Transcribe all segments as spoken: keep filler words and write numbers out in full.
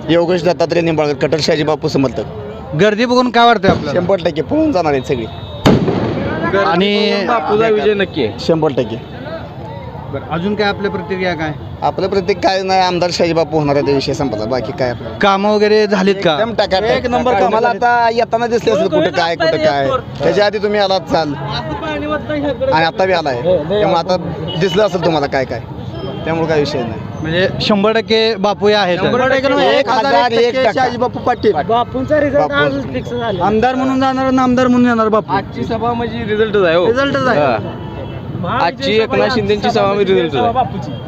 योगेश दत्तात्रय निंबाळकर कटर शहाजी बापू समर्थक. गर्दी बघून काय वाटतंय आपल्याला? शंभर टक्के पळून जाणार आहेत सगळी. आणि बापूचा विजय नक्की आहे. शंभर टक्के. बरं, अजून काय आपल्या प्रतिक्रिया काय? आपलं प्रत्येक काय नाही, आमदार शहाजी बापू होणार आहे, विषय संपला. बाकी काय आपलं कामं वगैरे झालीत का? एकदम टाका एक नंबर. मला आता येताना दिसले असेल कुठं काय कुठं काय. त्याच्या आधी तुम्ही आलात चाल आणि आता बी आलाय, त्यामुळे आता दिसलं असेल तुम्हाला काय काय, त्यामुळे काय विषय नाही. म्हणजे शंभर टक्के बापू आहेत. एक हजार एक टक्का. बापू पाटील बापूंचा रिझल्ट आज फिक्स झाला. आमदार म्हणून जाणार आणि आमदार म्हणून येणार बापू. आजची सभा म्हणजे रिझल्टच आहे हो. रिझल्टच आहे. हा. आजची एकनाथ शिंदेची सभा म्हणजे रिझल्टच आहे.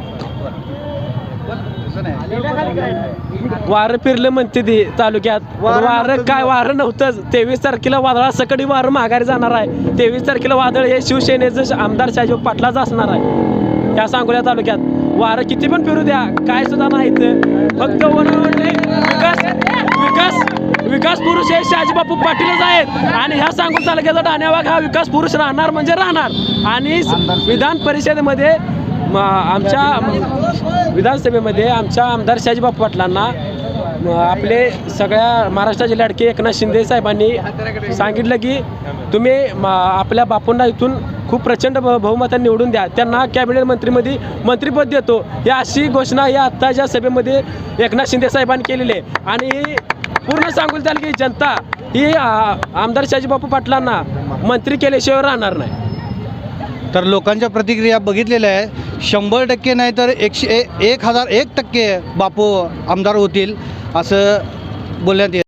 वारं फिरलं म्हणते ते तालुक्यात. वारं काय वारं नव्हतंच. तेवीस तारखेला वादळा सकडी वारं माघारी जाणार आहे. तेवीस तारखेला वादळ हे शिवसेनेचं आमदार शहाजी पाटलाच असणार आहे या सांगोला तालुक्यात. वारं किती पण फिरू द्या, काय सुद्धा नाही. फक्त वनवडले विकास विकास विकास पुरुष हे शहाजी बापू पाटीलच आहेत. आणि ह्या सांगोला तालुक्याचा ठाण्यावाग हा विकास पुरुष राहणार म्हणजे राहणार. आणि विधान परिषदेमध्ये आमच्या विधानसभेमध्ये आमच्या आमदार शहाजी बापू पाटलांना आपले सगळ्या महाराष्ट्राचे लाडके एकनाथ शिंदे साहेबांनी सांगितलं की तुम्ही आपल्या बापूंना इथून खूप प्रचंड बहुमताने निवडून द्या, त्यांना कॅबिनेट मंत्रीमध्ये मंत्रिपद देतो, या अशी घोषणा या आत्ताच्या सभेमध्ये एकनाथ शिंदे साहेबांनी केलेली आहे. आणि पूर्ण सांगून चाल की जनता ही आमदार शहाजी बापू पाटलांना मंत्री केल्याशिवाय राहणार नाही. तर लोकांच्या प्रतिक्रिया बघितलेल्या आहे. शंभर टक्के नाही तर एकशे एक हजार एक टक्के बापू आमदार होतील असं बोलण्यात येत.